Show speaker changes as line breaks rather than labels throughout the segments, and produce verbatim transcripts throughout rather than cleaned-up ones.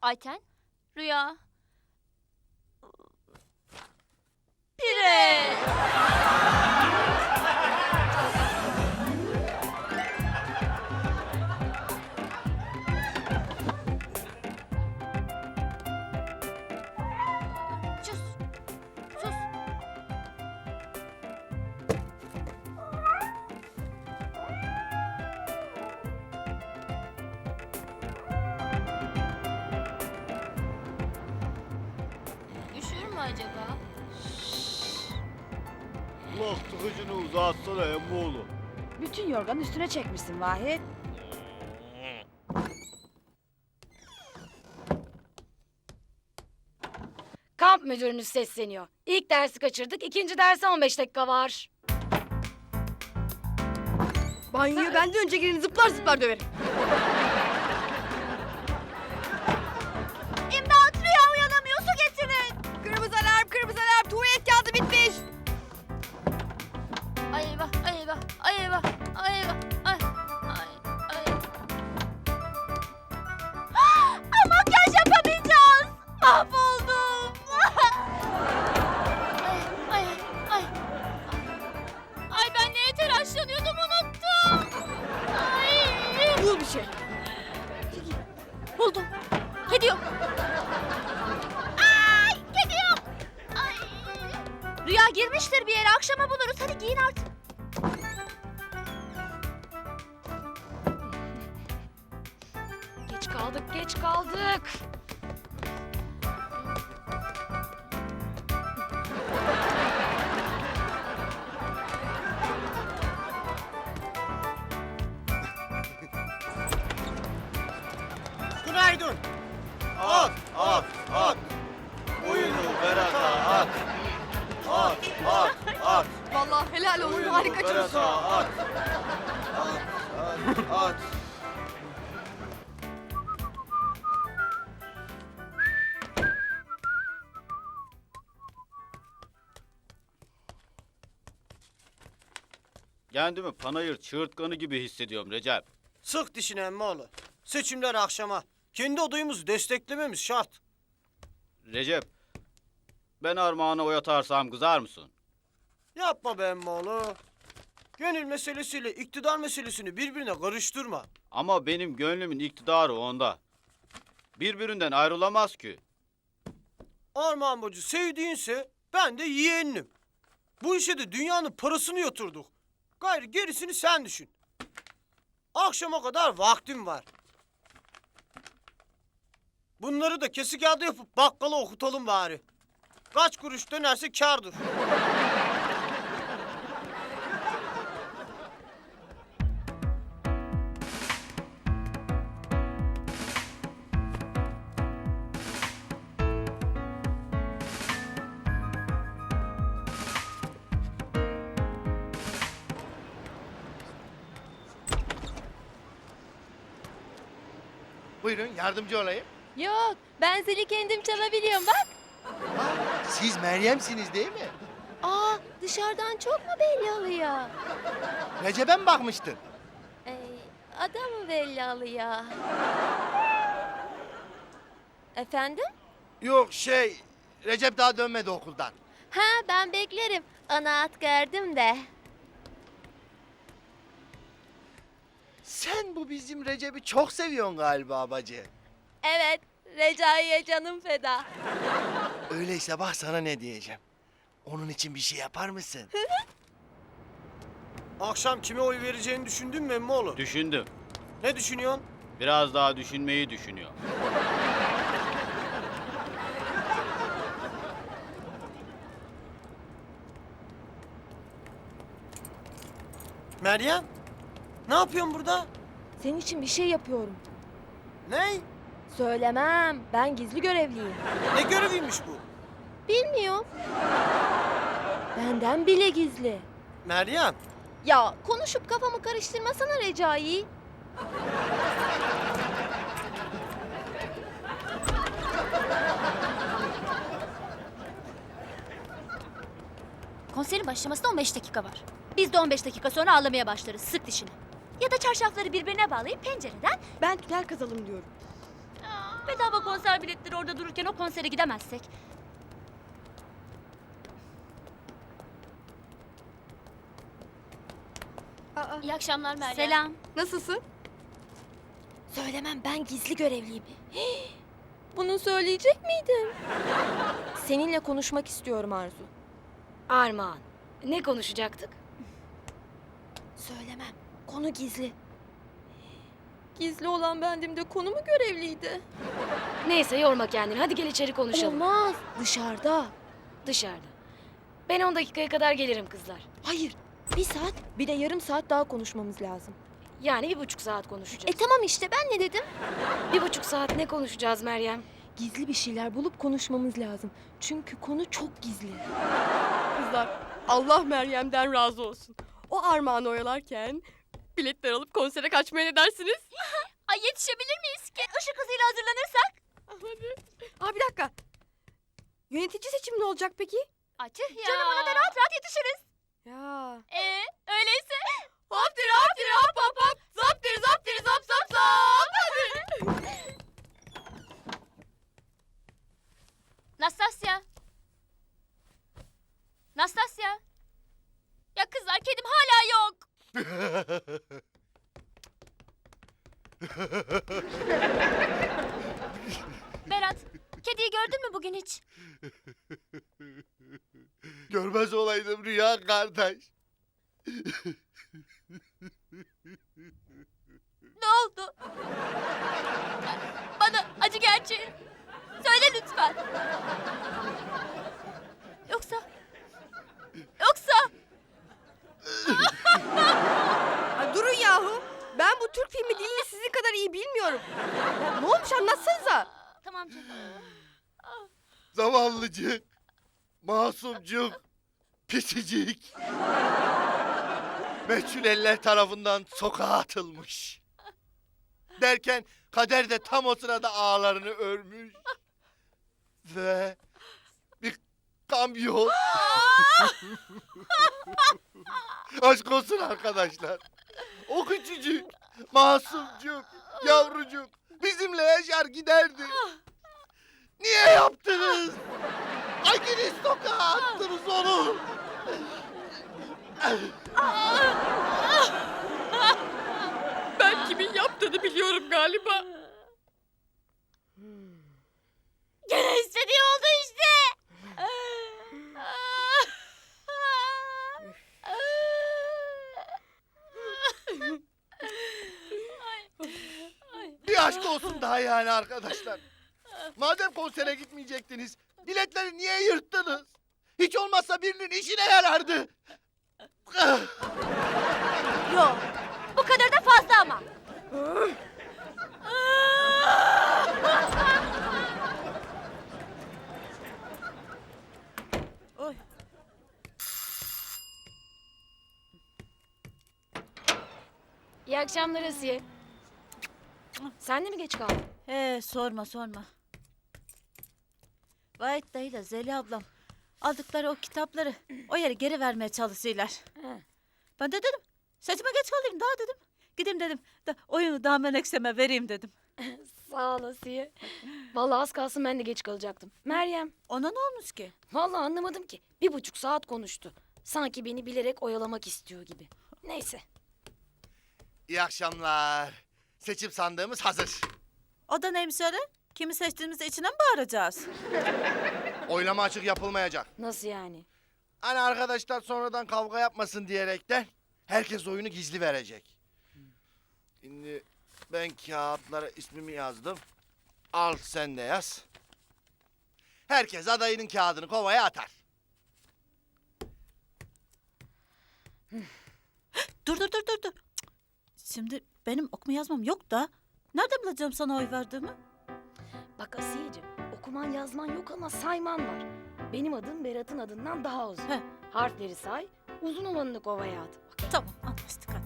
Ayten, Rüya. Pire. Sus. Sus. Üşür mü acaba?
Kulak tıkıcını uzatsana emmoğlu.
Bütün yorganı üstüne çekmişsin Vahit. Kamp müdürünüz sesleniyor. İlk dersi kaçırdık, ikinci derse on beş dakika var.
Banyoya benden önce girin zıplar zıplar döverim.
İmdat, Rüya uyanamıyor, su getirin.
Kırmızı alarm, kırmızı alarm, tuvalet kağıdı bitmiş.
Ay eyvah, ay eyvah, ay eyvah, ay eyvah, ay, ay, ay. Ay, makyaj yapamayacağız. Mahvoldum. ay, ay, ay. Ay ben neye telaşlanıyordum unuttum. Ay.
Bul bir şey.
Buldum. Kedi yok. Ay, kedi yok. Ay. Rüya girmiştir bir yere. Akşama buluruz. Hadi giyin artık.
Geç kaldık, geç kaldık.
Günaydın. At, at, at. Oyunu Berat'a at. At, at, at.
Vallahi helal olsun,
Oyunu
harika çalışıyorsun.
Berat'a at. At, at, at. Kendimi panayır çığırtkanı gibi hissediyorum Recep.
Sık dişine emmoğlu. Seçimler akşama. Kendi adayımızı desteklememiz şart.
Recep, ben Armağan'a oy atarsam kızar mısın?
Yapma be emmoğlu. Gönül meselesiyle iktidar meselesini birbirine karıştırma.
Ama benim gönlümün iktidarı onda. Birbirinden ayrılamaz ki.
Armağan Bacı sevdiğinse ben de yeğenim. Bu işe de dünyanın parasını yatırdık. Gayrı gerisini sen düşün. Akşama kadar vaktim var. Bunları da kesik kağıdı yapıp bakkala okutalım bari. Kaç kuruş dönerse kârdır.
Buyurun yardımcı olayım.
Yok, ben zili kendim çalabiliyorum bak.
Siz Meryem'siniz değil mi?
Aa, dışarıdan çok mu belli oluyor?
Recep'e mi bakmıştın?
Ee, adamı belli oluyor. Efendim?
Yok şey, Recep daha dönmedi okuldan.
Ha, ben beklerim. Ana at gördüm de.
Sen bu bizim Recep'i çok seviyorsun galiba bacı.
Evet, Recai'ye canım feda.
Öyleyse bak sana ne diyeceğim. Onun için bir şey yapar mısın?
Akşam kime oy vereceğini düşündün mü emmoğlu?
Düşündüm.
Ne düşünüyorsun?
Biraz daha düşünmeyi düşünüyor.
Meryem? Ne yapıyorsun burada?
Senin için bir şey yapıyorum.
Ne?
Söylemem. Ben gizli görevliyim.
Ne göreviymiş bu?
Bilmiyorum. Benden bile gizli.
Meryem,
Ya konuşup kafamı karıştırmasana Recai.
Konserin başlamasına on beş dakika var. Biz de on beş dakika sonra ağlamaya başlarız. Sık dişini. Ya da çarşafları birbirine bağlayıp pencereden...
Ben tünel kazalım diyorum.
Aa, Bedava konser biletleri orada dururken o konsere gidemezsek.
Aa,
İyi akşamlar Meryem. Selam.
nasılsın? Söylemem, ben gizli görevliyim. Hii, bunu söyleyecek miydim? Seninle konuşmak istiyorum Arzu.
Armağan. Ne konuşacaktık?
Söylemem. Konu gizli. Gizli olan bendim de konu mu görevliydi?
Neyse yorma kendini. Hadi gel içeri konuşalım.
Olmaz. Dışarıda.
Dışarıda. Ben on dakikaya kadar gelirim kızlar.
Hayır. Bir saat, bir de yarım saat daha konuşmamız lazım.
Yani bir buçuk saat
E
konuşacağız.
tamam işte, ben ne dedim?
Bir buçuk saat ne konuşacağız Meryem?
Gizli bir şeyler bulup konuşmamız lazım. Çünkü konu çok gizli.
Kızlar, Allah Meryem'den razı olsun. O Armağan'ı oyalarken biletler alıp konsere kaçmaya ne dersiniz?
Ay yetişebilir miyiz ki? Işık hızıyla hazırlanırsak.
Hadi. Aa, bir dakika. Yönetici seçimi ne olacak peki?
Ay tüh ya. Canım ona da rahat rahat yetişiriz.
Ya.
Ee, öyleyse.
Hoptir hoptir hop hop hop. Zaptir zaptir zap zap zap.
Nastasya. Nastasya. Ya kızlar, kedim hala yok. Berat, kediyi gördün mü bugün hiç?
Görmez olaydım Rüya kardeş.
Ne oldu? Bana acı gerçeği söyle lütfen. Yoksa... Yoksa...
Ay, durun yahu. Ben bu Türk filmi dilini sizin kadar iyi bilmiyorum. Ya, ne olmuş anlatsanıza.
Tamam canım.
Zavallıcık, masumcuk, pisicik. Meçhul eller tarafından sokağa atılmış. Derken kader de tam o sırada ağlarını örmüş. Ve bir kamyon. Aşk olsun arkadaşlar. O küçücük, masumcuk, yavrucuk bizimle yaşar giderdi. Niye yaptınız? Hanginiz sokağa attınız onu?
Ben kimin yaptığını biliyorum galiba.
Gene istediği oldu işte.
Bir aşk olsun daha yani arkadaşlar. Madem konsere gitmeyecektiniz, biletleri niye yırttınız? Hiç olmazsa birinin işine yarardı.
Yok, bu kadar da fazla ama.
İyi akşamlar Asiye. Sen de mi geç kaldın?
He sorma sorma. Vahit dayıyla Zeliha ablam aldıkları o kitapları o yere geri vermeye çalışıyorlar.
He.
Ben de dedim seçime geç kalayım daha dedim. Gideyim dedim da oyunu daha menekşeme vereyim dedim.
Sağ ol Asiye. Vallahi az kalsın ben de geç kalacaktım. Meryem,
Ona ne olmuş ki?
vallahi anlamadım ki. Bir buçuk saat konuştu. Sanki beni bilerek oyalamak istiyor gibi. Neyse.
İyi akşamlar. Seçim sandığımız hazır.
O da neymiş öyle? Kimi seçtiğimizi içine mi bağıracağız?
Oylama açık yapılmayacak.
Nasıl yani?
Hani arkadaşlar sonradan kavga yapmasın diyerekten herkes oyunu gizli verecek. Şimdi ben kağıtlara ismimi yazdım. Al sen de yaz. Herkes adayının kağıdını kovaya atar.
Dur dur dur dur dur. Cık. Şimdi benim okuma yazmam yok da nereden bileceğim sana oy verdiğimi?
Bak Asiyeciğim, okuman yazman yok ama sayman var. Benim adım Berat'ın adından daha uzun.
He.
Harfleri say, uzun olanını kovaya at.
Tamam anlaştık hadi.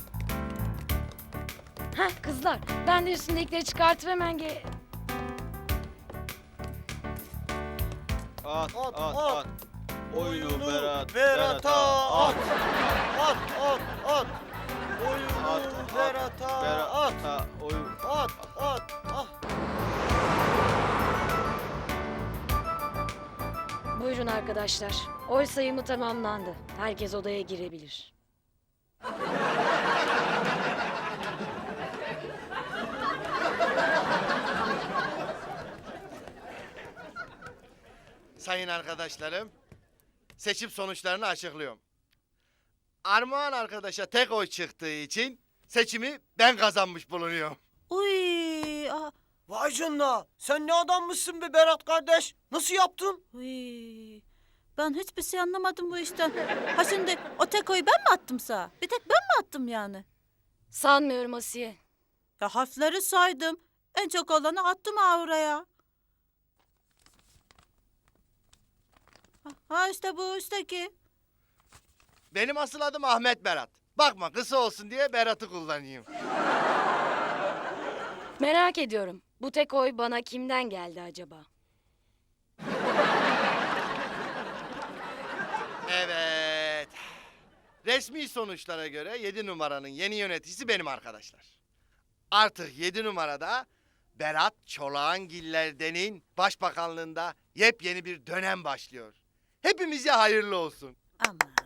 Heh kızlar, ben de üstündekileri çıkartıp hemen ge...
At,
At,
at,
at.
at. Oyunu Berat,
Berat'a at. At, at, at. Oyunu
At, at,
Berat'a
Berat,
at.
ha, oyun.
At, at, at.
Buyurun arkadaşlar. Oy sayımı tamamlandı. Herkes odaya girebilir.
Sayın arkadaşlarım, seçim sonuçlarını açıklıyorum. Armağan arkadaşa tek oy çıktığı için seçimi ben kazanmış bulunuyorum.
Uy, ah,
Vay canına. Sen ne adammışsın be Berat kardeş. Nasıl yaptın?
uy. Ben hiçbir şey anlamadım bu işten. Ha şimdi o tek oyu ben mi attım sana? Bir tek ben mi attım yani?
Sanmıyorum Asiye.
Ya harfleri saydım. En çok olanı attım ha oraya. Ha, ha işte bu üstteki.
Benim asıl adım Ahmet Berat. Bakma kısa olsun diye Berat'ı kullanayım.
Merak ediyorum. Bu tek oy bana kimden geldi acaba?
Evet. Resmi sonuçlara göre yedi numaranın yeni yöneticisi benim arkadaşlar. Artık yedi numarada Berat Çolakangiller'denin başbakanlığında yepyeni bir dönem başlıyor. Hepimize hayırlı olsun.
Aman.